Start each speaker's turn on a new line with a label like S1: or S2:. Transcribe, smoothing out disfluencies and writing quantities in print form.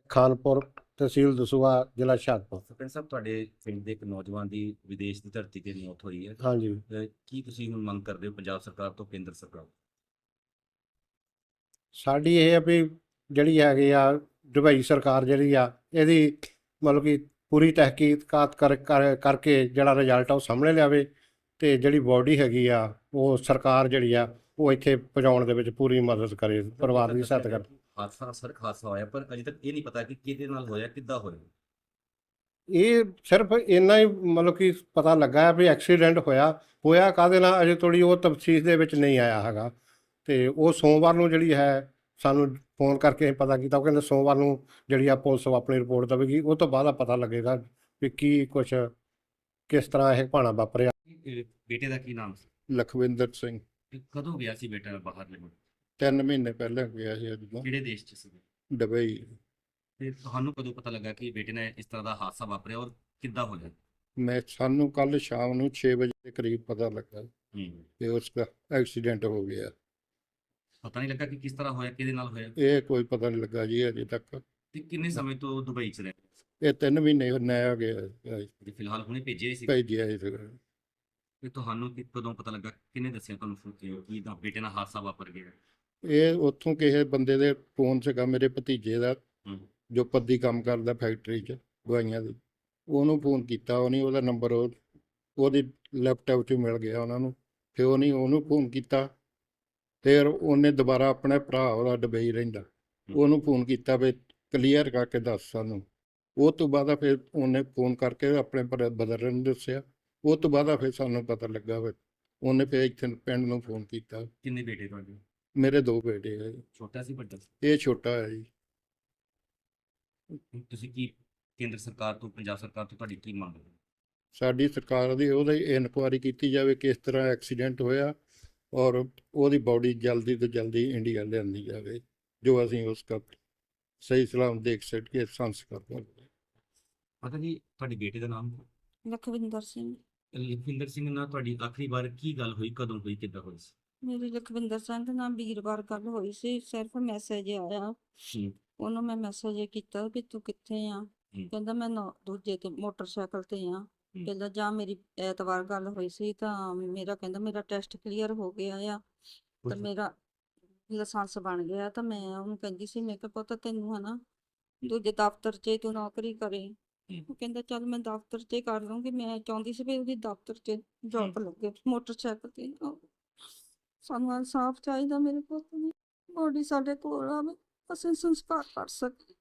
S1: ਖਾਨਪੁਰ, ਤਹਿਸੀਲ ਦਸੂਹਾ, ਜ਼ਿਲ੍ਹਾ ਹੁਸ਼ਿਆਰਪੁਰ।
S2: ਸਰਪੰਚ ਸਾਹਿਬ, ਤੁਹਾਡੇ ਪਿੰਡ ਦੇ ਇੱਕ ਨੌਜਵਾਨ ਦੀ ਵਿਦੇਸ਼ ਦੀ ਧਰਤੀ ਤੇ ਮੌਤ ਹੋਈ ਹੈ।
S1: ਹਾਂਜੀ,
S2: ਕੀ ਤੁਸੀਂ ਹੁਣ ਮੰਗ ਕਰਦੇ ਹੋ ਪੰਜਾਬ ਸਰਕਾਰ ਤੋਂ, ਕੇਂਦਰ ਸਰਕਾਰ ਤੋਂ?
S1: ਸਾਡੀ ਇਹ ਆ ਵੀ ਜਿਹੜੀ ਹੈਗੀ ਆ ਦੁਬਈ ਸਰਕਾਰ ਜਿਹੜੀ ਆ ਇਹਦੀ ਮਤਲਬ ਕਿ ਪੂਰੀ ਤਹਿਕੀਕਾਤ ਕਰਕੇ ਜਿਹੜਾ ਰਿਜ਼ਲਟ ਆ ਉਹ ਸਾਹਮਣੇ ਲਿਆਵੇ, ਅਤੇ ਜਿਹੜੀ ਬੋਡੀ ਹੈਗੀ ਆ ਉਹ ਸਰਕਾਰ ਜਿਹੜੀ ਆ ਉਹ ਇੱਥੇ ਪਹੁੰਚਾਉਣ ਦੇ ਵਿੱਚ ਪੂਰੀ ਮਦਦ ਕਰੇ, ਪਰਿਵਾਰ ਦੀ ਸਹਾਇਤਾ ਕਰੇ।
S2: ਹਾਦਸਾ ਹੋਇਆ, ਪਰ ਅਜੇ ਤੱਕ ਇਹ ਨਹੀਂ ਪਤਾ ਕਿ ਕਿਹਦੇ ਨਾਲ ਹੋਇਆ, ਕਿੱਦਾਂ ਹੋਇਆ।
S1: ਇਹ ਸਿਰਫ ਇੰਨਾ ਹੀ ਮਤਲਬ ਕਿ ਪਤਾ ਲੱਗਾ ਹੈ ਵੀ ਐਕਸੀਡੈਂਟ ਹੋਇਆ ਕਾਹਦੇ ਨਾਲ ਅਜੇ ਥੋੜ੍ਹੀ ਉਹ ਤਫਸੀਲ ਦੇ ਵਿੱਚ ਨਹੀਂ ਆਇਆ ਹੈਗਾ। ਅਤੇ ਉਹ ਸੋਮਵਾਰ ਨੂੰ ਜਿਹੜੀ ਹੈ ਸਾਨੂੰ ਫੋਨ ਕਰਕੇ ਪਤਾ ਕੀਤਾ, ਉਹ ਕਹਿੰਦੇ ਸੋਮਵਾਰ ਨੂੰ ਜਿਹੜੀ ਆ ਪੁਲਿਸ ਆਪਣੀ ਰਿਪੋਰਟ ਦੇਵੇਗੀ, ਉਹ ਤੋਂ ਬਾਅਦ ਪਤਾ ਲੱਗੇਗਾ ਵੀ ਕੀ ਕੁਛ ਕਿਸ ਤਰ੍ਹਾਂ ਇਹ ਭਾਣਾ ਵਾਪਰਿਆ।
S2: ਬੇਟੇ ਦਾ ਕੀ ਨਾਮ ਸੀ?
S3: ਲਖਵਿੰਦਰ ਸਿੰਘ।
S2: ਕਦੋਂ ਗਿਆ ਸੀ ਬੇਟਾ ਬਾਹਰ?
S3: 3 ਮਹੀਨੇ ਪਹਿਲਾਂ ਗਿਆ ਸੀ ਅੱਜ ਤੋਂ
S2: ਕਿਹੜੇ ਦੇਸ਼ 'ਚ ਸੀ?
S3: ਦੁਬਈ।
S2: ਤੇ ਤੁਹਾਨੂੰ ਕਦੋਂ ਪਤਾ ਲੱਗਾ ਕਿ ਬੇਟੇ ਨੇ ਇਸ ਤਰ੍ਹਾਂ ਦਾ ਹਾਦਸਾ ਵਾਪਰਿਆ, ਔਰ ਕਿੱਦਾਂ ਹੋਇਆ?
S3: ਸਾਨੂੰ ਕੱਲ ਸ਼ਾਮ ਨੂੰ 6 ਵਜੇ ਦੇ ਕਰੀਬ ਪਤਾ ਲੱਗਾ ਕਿ ਉਸਦਾ ਐਕਸੀਡੈਂਟ ਹੋ ਗਿਆ।
S2: ਪਤਾ ਨਹੀਂ ਲੱਗਾ ਕਿ ਕਿਸ ਤਰ੍ਹਾਂ ਹੋਇਆ, ਕਿਹਦੇ ਨਾਲ ਹੋਇਆ?
S3: ਇਹ ਕੋਈ ਪਤਾ ਨਹੀਂ ਲੱਗਾ ਜੀ ਅਜੇ ਤੱਕ।
S2: ਤੇ ਕਿੰਨੇ ਸਮੇਂ ਤੋਂ ਦੁਬਈ 'ਚ ਰਹੇ?
S3: ਇਹ 3 ਮਹੀਨੇ ਨਇਆ ਗਿਆ
S2: ਤੇ ਫਿਲਹਾਲ ਹੁਣੇ ਭੇਜਿਆ ਸੀ।
S3: ਭੇਜਿਆ ਸੀ।
S2: ਤੇ ਤੁਹਾਨੂੰ ਕਦੋਂ ਪਤਾ ਲੱਗਾ, ਕਿਹਨੇ ਦੱਸਿਆ ਤੁਹਾਨੂੰ ਕਿ ਤਾਂ ਬੇਟੇ ਨਾਲ ਹਾਦਸਾ ਵਾਪਰ ਗਿਆ?
S3: ਇਹ ਉੱਥੋਂ ਕਿਸੇ ਬੰਦੇ ਦੇ ਫੋਨ ਸੀਗਾ, ਮੇਰੇ ਭਤੀਜੇ ਦਾ, ਜੋ ਪੱਦੀ ਕੰਮ ਕਰਦਾ ਫੈਕਟਰੀ 'ਚ ਦਵਾਈਆਂ ਦੀ। ਉਹਨੂੰ ਫੋਨ ਕੀਤਾ, ਉਹਦਾ ਨੰਬਰ ਉਹਦੀ ਲੈਪਟਾਪ 'ਚ ਮਿਲ ਗਿਆ ਉਹਨਾਂ ਨੂੰ। ਫਿਰ ਉਹਨੂੰ ਫੋਨ ਕੀਤਾ, ਫਿਰ ਉਹਨੇ ਦੁਬਾਰਾ ਆਪਣੇ ਭਰਾ, ਉਹਦਾ ਦੁਬਈ ਰਹਿੰਦਾ, ਉਹਨੂੰ ਫੋਨ ਕੀਤਾ ਵੀ ਕਲੀਅਰ ਕਰਕੇ ਦੱਸ ਸਾਨੂੰ। ਉਹ ਤੋਂ ਬਾਅਦ ਫਿਰ ਉਹਨੇ ਫੋਨ ਕਰਕੇ ਆਪਣੇ ਬ੍ਰਦਰ ਨੂੰ ਦੱਸਿਆ। ਉਹ ਤੋਂ ਬਾਅਦ ਫਿਰ ਸਾਨੂੰ ਪਤਾ ਲੱਗਾ ਵੀ ਉਹਨੇ ਫਿਰ ਇੱਥੇ ਪਿੰਡ ਨੂੰ ਫੋਨ ਕੀਤਾ।
S2: ਕਿੰਨੇ ਬੇਟੇ ਤੁਹਾਡੇ?
S3: ਮੇਰੇ 2 ਬੇਟੇ ਹੈ।
S2: ਛੋਟਾ ਸੀ ਵੱਡਾ ਸੀ?
S3: ਇਹ ਛੋਟਾ ਹੈ ਜੀ।
S2: ਤੁਸੀਂ ਕੀ ਕੇਂਦਰ ਸਰਕਾਰ ਤੋਂ, ਪੰਜਾਬ ਸਰਕਾਰ ਤੋਂ ਤੁਹਾਡੀ ਕੀ ਮੰਗ ਹੈ?
S3: ਸਾਡੀ ਸਰਕਾਰ ਦੀ ਉਹਦੀ ਇਨਕੁਆਇਰੀ ਕੀਤੀ ਜਾਵੇ ਕਿਸ ਤਰ੍ਹਾਂ ਐਕਸੀਡੈਂਟ ਹੋਇਆ, ਔਰ ਉਹਦੀ ਬੋਡੀ ਜਲਦੀ ਤੋਂ ਜਲਦੀ ਇੰਡੀਆ ਲਿਆਂਦੀ ਜਾਵੇ, ਜੋ ਅਸੀਂ ਉਸ ਦਾ ਸਹੀ ਸਲਾਮ ਦੇਖ ਸਕੀਏ, ਸੰਸਕਾਰ ਕਰ।
S2: ਪਤਾ ਜੀ, ਤੁਹਾਡੇ ਬੇਟੇ ਦਾ ਨਾਮ?
S4: ਲਖਵਿੰਦਰ ਸਿੰਘ।
S2: ਲਖਵਿੰਦਰ ਸਿੰਘ ਨਾਲ ਤੁਹਾਡੀ ਆਖਰੀ ਵਾਰ ਕੀ ਗੱਲ ਹੋਈ, ਕਦੋਂ ਹੋਈ, ਕਿੱਦਾਂ ਹੋਈ ਸੀ?
S4: ਮੇਰੀ ਲਖਵਿੰਦਰ ਸਿੰਘ ਦੇ ਨਾਲ ਵੀਰਵਾਰ ਗੱਲ ਹੋਈ ਸੀ। ਸਿਰਫ ਮੈਸੇਜ ਆਇਆ, ਉਹਨੂੰ ਮੈਂ ਮੈਸੇਜ ਕੀਤਾ ਵੀ ਤੂੰ ਕਿੱਥੇ ਆ। ਕਹਿੰਦਾ ਮੈਂ ਦੂਜੇ ਤੇ ਮੋਟਰਸਾਈਕਲ ਤੇ ਆ। ਕਹਿੰਦਾ ਜਾਂ ਮੇਰੀ ਐਤਵਾਰ ਗੱਲ ਹੋਈ ਸੀ ਤਾਂ ਕਹਿੰਦਾ ਮੇਰਾ ਟੈਸਟ ਕਲੀਅਰ ਹੋ ਗਿਆ ਆ, ਤਾਂ ਮੇਰਾ ਲਾਇਸੈਂਸ ਬਣ ਗਿਆ। ਤਾਂ ਮੈਂ ਉਹਨੂੰ ਕਹਿੰਦੀ ਸੀ, ਮੈਂ ਕਿਹਾ ਪੁੱਤ ਤੈਨੂੰ ਹਨਾ ਦੂਜੇ ਦਫ਼ਤਰ 'ਚ ਤੂੰ ਨੌਕਰੀ ਕਰੇ। ਉਹ ਕਹਿੰਦਾ ਚੱਲ ਮੈਂ ਦਫ਼ਤਰ 'ਚ ਕਰ ਲੂੰਗੀ। ਮੈਂ ਚਾਹੁੰਦੀ ਸੀ ਵੀ ਉਹਦੀ ਦਫ਼ਤਰ 'ਚ ਜੌਬ ਲੱਗੇ ਮੋਟਰਸਾਈਕਲ ਤੇ। ਸਾਨੂੰ ਇਨਸਾਫ ਚਾਹੀਦਾ, ਮੇਰੇ ਪੁੱਤ ਦੀ ਬੋਡੀ ਸਾਡੇ ਕੋਲ ਆਵੇ, ਅਸੀਂ ਸੰਸਕਾਰ ਕਰ ਸਕੀਏ।